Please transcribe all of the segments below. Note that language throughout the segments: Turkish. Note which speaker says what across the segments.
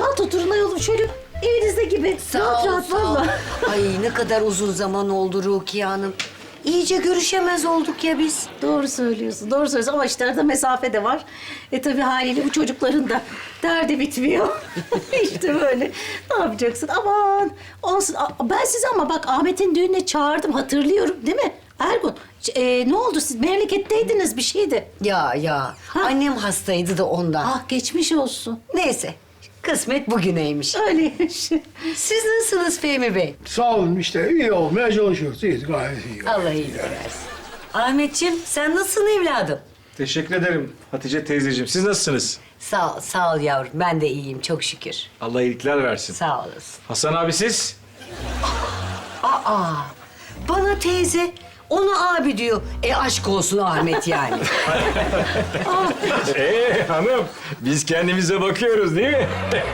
Speaker 1: rahat oturun ayol şöyle evinizde gibi. Rahat rahat valla.
Speaker 2: Ay ne kadar uzun zaman oldu Rukiye Hanım. İyice görüşemez olduk ya biz.
Speaker 1: Doğru söylüyorsun, doğru söylüyorsun ama işte arada mesafe de var. Tabii haliyle bu çocukların da derdi bitmiyor. İşte böyle. Ne yapacaksın? Aman olsun. Ben sizi ama bak Ahmet'in düğününe çağırdım hatırlıyorum değil mi? Ergun, ne oldu siz memleketteydiniz bir şeydi.
Speaker 2: Ya
Speaker 1: Ha?
Speaker 2: annem hastaydı da ondan.
Speaker 1: Ah geçmiş olsun.
Speaker 2: Neyse kısmet bugüneymiş.
Speaker 1: Öyleymiş.
Speaker 2: Siz nasılsınız Fehmi Bey?
Speaker 3: Sağ olun işte iyi olmaya çalışıyoruz. İyiyiz gayet iyi.
Speaker 2: Allah iyilik versin. Ahmetciğim sen nasılsın evladım?
Speaker 4: Teşekkür ederim Hatice teyzeciğim. Siz nasılsınız?
Speaker 2: Sağ ol yavrum. Ben de iyiyim çok şükür.
Speaker 4: Allah iyilikler versin.
Speaker 2: Sağ olasın.
Speaker 4: Hasan abi siz?
Speaker 2: Aa, bana teyze onu abi diyor. Aşk olsun Ahmet yani.
Speaker 4: Hanım biz kendimize bakıyoruz değil mi?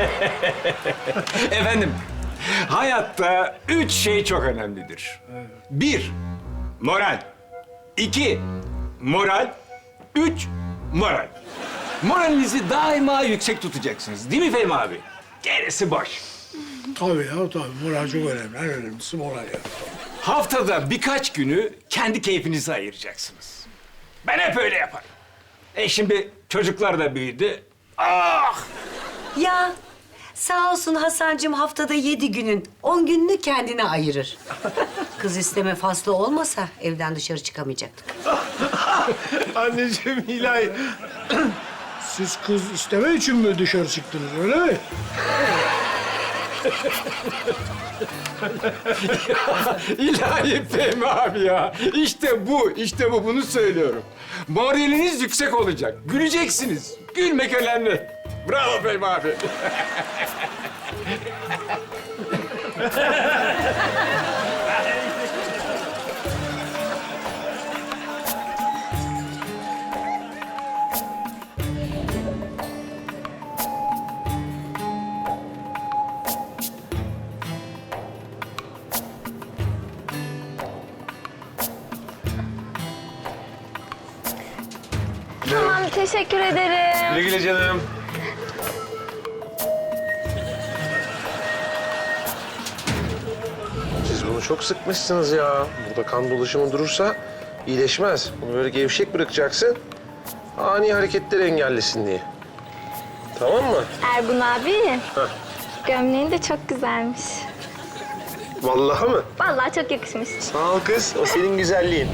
Speaker 4: Efendim hayatta 3 şey çok önemlidir. 1. Moral. 2. Moral. 3. Moral. Moralinizi daima yüksek tutacaksınız. Değil mi Fehmi abi? Gerisi boş.
Speaker 3: Tabii ya tabii. Moral çok önemli. En önemlisi moral ya.
Speaker 4: Haftada birkaç günü kendi keyfinize ayıracaksınız. Ben hep öyle yaparım. Şimdi çocuklar da büyüdü. Ah!
Speaker 2: Ya sağ olsun Hasancığım haftada 7 günün 10 gününü kendine ayırır. Kız isteme faslı olmasa evden dışarı çıkamayacaktık.
Speaker 3: Anneciğim ilahi. Siz kız isteme için mi dışarı çıktınız öyle mi?
Speaker 4: İlahi Fehmi abi ya. İşte bu, bunu söylüyorum. Moraliniz yüksek olacak. Güleceksiniz. Gülmek önemli. Bravo Fehmi abi.
Speaker 5: Tamam, teşekkür ederim.
Speaker 4: Güle güle canım.
Speaker 6: Siz bunu çok sıkmışsınız ya. Burada kan dolaşımı durursa iyileşmez. Bunu böyle gevşek bırakacaksın. Ani hareketleri engellesin diye. Tamam mı?
Speaker 5: Ergun abi, gömleğin de çok güzelmiş.
Speaker 6: Vallahi mı?
Speaker 5: Vallahi çok yakışmış.
Speaker 6: Sağ ol kız. O senin güzelliğin.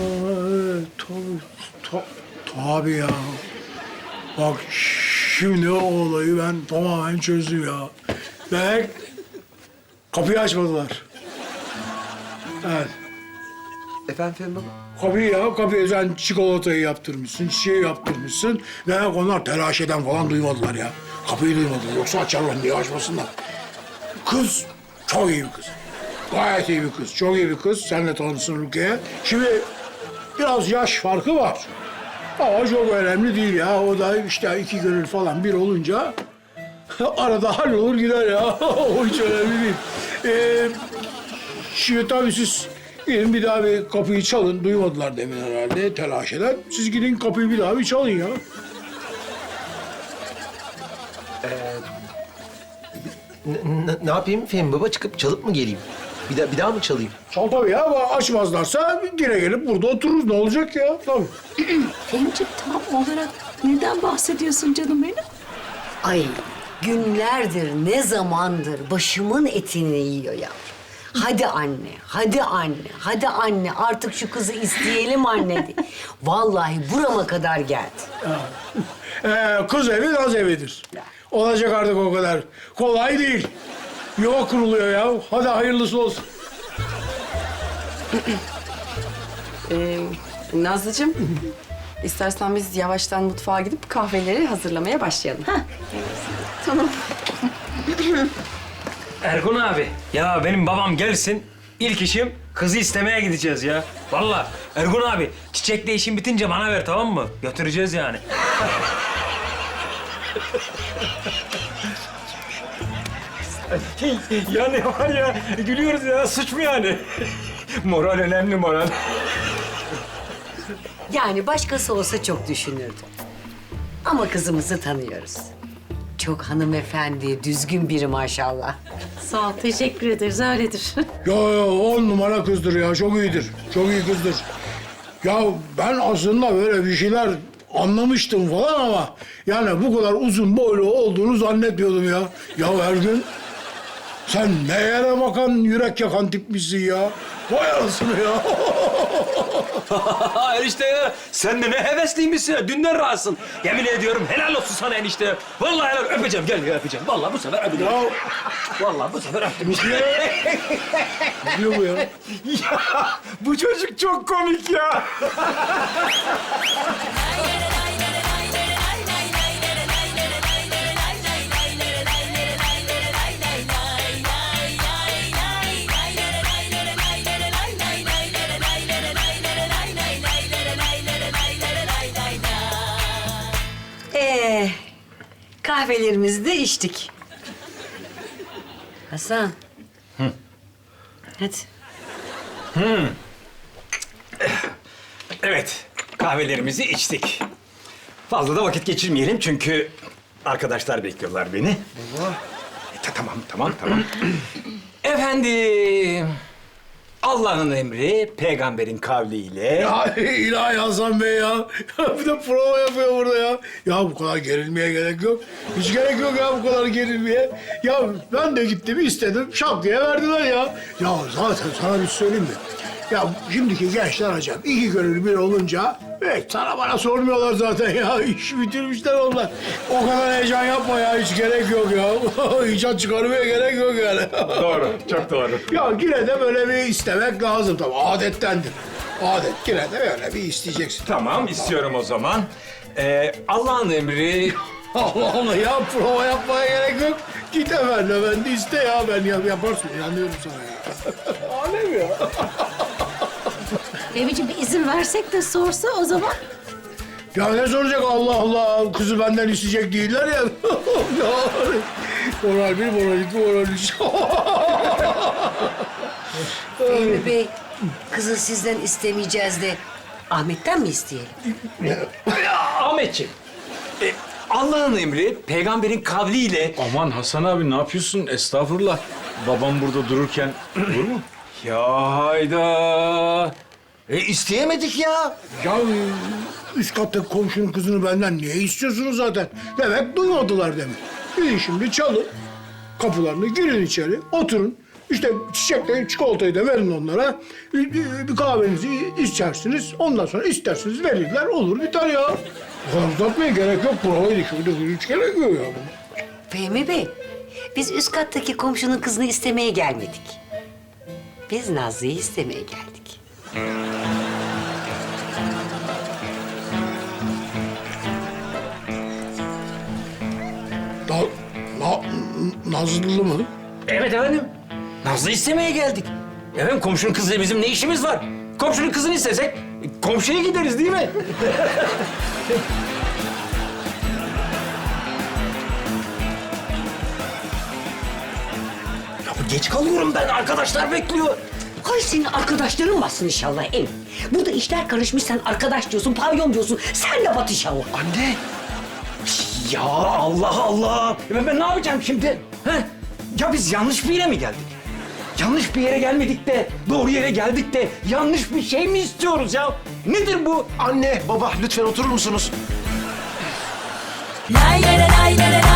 Speaker 3: Tabii ya. Bak şimdi o olayı ben tamamen çözdüm ya. Demek kapıyı açmadılar. Evet.
Speaker 6: Efendim Fehmi baba?
Speaker 3: Kapıyı sen çikolatayı yaptırmışsın, çiçeği yaptırmışsın. Demek onlar telaş eden falan duymadılar ya. Kapıyı duymadılar. Yoksa açarlar diye açmasınlar. Kız çok iyi bir kız. Gayet iyi bir kız. Çok iyi bir kız. Seninle tanışsın Rukiye. Şimdi biraz yaş farkı var. Ama çok önemli değil ya. O da işte 2 gönül falan bir olunca arada hallolur gider ya. O hiç önemli değil. Şimdi tabii siz gidin bir daha bir kapıyı çalın. Duymadılar demin herhalde telaş eden. Siz gidin kapıyı bir daha bir çalın ya.
Speaker 6: Ne yapayım Fehmi baba? Çıkıp çalıp mı geleyim? Bir daha mı çalayım?
Speaker 3: Çal tabii ya. Ama açmazlarsa yine gelip burada otururuz. Ne olacak ya? Tabii.
Speaker 1: Fehmiciğim tam olarak neden bahsediyorsun canım benim?
Speaker 2: Ay günlerdir ne zamandır başımın etini yiyor ya. Hadi anne, hadi anne artık şu kızı isteyelim anne diye. Vallahi burama kadar geldi.
Speaker 3: Kız evi naz evidir. Olacak artık o kadar. Kolay değil. Yuva kuruluyor ya. Hadi hayırlısı olsun.
Speaker 7: Nazlıcığım, istersen biz yavaştan mutfağa gidip kahveleri hazırlamaya başlayalım.
Speaker 5: Tamam.
Speaker 8: Ergun abi, ya benim babam gelsin. İlk işim kızı istemeye gideceğiz ya. Vallahi Ergun abi, çiçekle işin bitince bana ver tamam mı? Götüreceğiz yani.
Speaker 4: Yani var ya gülüyoruz ya suç mu yani? Moral önemli moral.
Speaker 2: Yani başkası olsa çok düşünürdüm. Ama kızımızı tanıyoruz. çok hanımefendi, düzgün biri maşallah.
Speaker 1: Sağ ol, teşekkür ederiz. Öyledir.
Speaker 3: Ya 10 numara kızdır ya. Çok iyidir. Çok iyi kızdır. Ya ben aslında böyle bir şeyler anlamıştım falan ama yani bu kadar uzun boylu olduğunu zannetmiyordum ya. Ya Ergün, sen ne yere bakan, yürek yakan tipmişsin ya. Vay anasını ya.
Speaker 8: Enişte ya, sen de ne hevesliymişsin ya. Dünden razısın. Yemin ediyorum helal olsun sana enişte. Vallahi helal. Öpeceğim, gel ya öpeceğim. Vallahi bu sefer öpeceğim.
Speaker 3: Ya
Speaker 8: Vallahi bu sefer öptüm.
Speaker 3: ne diyor bu ya?
Speaker 4: Ya bu çocuk çok komik ya.
Speaker 2: Kahvelerimizi de içtik. Hasan. Hadi.
Speaker 4: Evet, kahvelerimizi içtik. Fazla da vakit geçirmeyelim çünkü arkadaşlar bekliyorlar beni. Tamam. Efendim, Allah'ın emri, peygamberin kavliyle...
Speaker 3: Ya ilahi Hasan Bey ya. Bir de prova yapıyor burada ya. Ya bu kadar gerilmeye gerek yok. Hiç gerek yok ya bu kadar gerilmeye. Ya ben de gittim istedim, şak diye verdiler ya. Ya zaten sana bir söyleyeyim mi? Ya şimdiki gençler acayip. İki gönül bir olunca sana bana sormuyorlar zaten ya. İş bitirmişler onlar. O kadar heyecan yapma ya. Hiç gerek yok ya. İcat çıkarmaya gerek yok yani.
Speaker 4: Doğru, çok doğru.
Speaker 3: Ya yine de böyle bir istemek lazım tabii. Adettendir. Adet yine de böyle bir isteyeceksin.
Speaker 4: Tamam, istiyorum o zaman. Allah'ın emri...
Speaker 3: Allah Allah ya prova yapmaya gerek yok. Git efendi iste ya. Ben yaparsın. İnanıyorum sana ya. Alem ya.
Speaker 1: Fehmi'ciğim bir izin versek de sorsa o zaman.
Speaker 3: Ya ne soracak Allah Allah. Kızı benden isteyecek değiller ya. Ya, moral bir, moral iki, moral üç.
Speaker 2: Fehmi Bey, kızı sizden istemeyeceğiz de Ahmet'ten mi isteyelim?
Speaker 4: Ahmetciğim, Allah'ın emri, peygamberin kavliyle...
Speaker 9: Aman Hasan abi ne yapıyorsun? Estağfurullah. Babam burada dururken olur mu?
Speaker 4: Ya hayda! İsteyemedik ya.
Speaker 3: Ya üst kattaki komşunun kızını benden niye istiyorsunuz zaten? Demek duymadılar demek. Gidin şimdi çalın. Kapılarını girin içeri, oturun. İşte çiçekleri, çikolatayı da verin onlara. Bir kahvenizi içersiniz. Ondan sonra isterseniz verirler. Olur biter ya. Bu kadar uzatmaya gerek yok. Provaydı şurada hiç gerek yok ya.
Speaker 2: Fehmi Bey, biz üst kattaki komşunun kızını istemeye gelmedik. Biz Nazlı'yı istemeye geldik.
Speaker 3: Nazlı mı?
Speaker 4: Evet efendim. Nazlı istemeye geldik. Efendim komşunun kızıyla bizim ne işimiz var? Komşunun kızını istesek komşuya gideriz değil mi? Ya geç kalıyorum ben. Arkadaşlar bekliyor.
Speaker 2: Hay senin arkadaşların bassın inşallah el. Burada işler karışmış, sen arkadaş diyorsun, pavyon diyorsun. Sen de bat inşallah.
Speaker 4: Anne. Ya Allah Allah. Ben ne yapacağım şimdi? He? Ya biz yanlış bir yere mi geldik? Yanlış bir yere gelmedik de, doğru yere geldik de yanlış bir şey mi istiyoruz ya? Nedir bu?
Speaker 6: Anne, baba lütfen oturur musunuz?
Speaker 10: Lay lay lay lay lay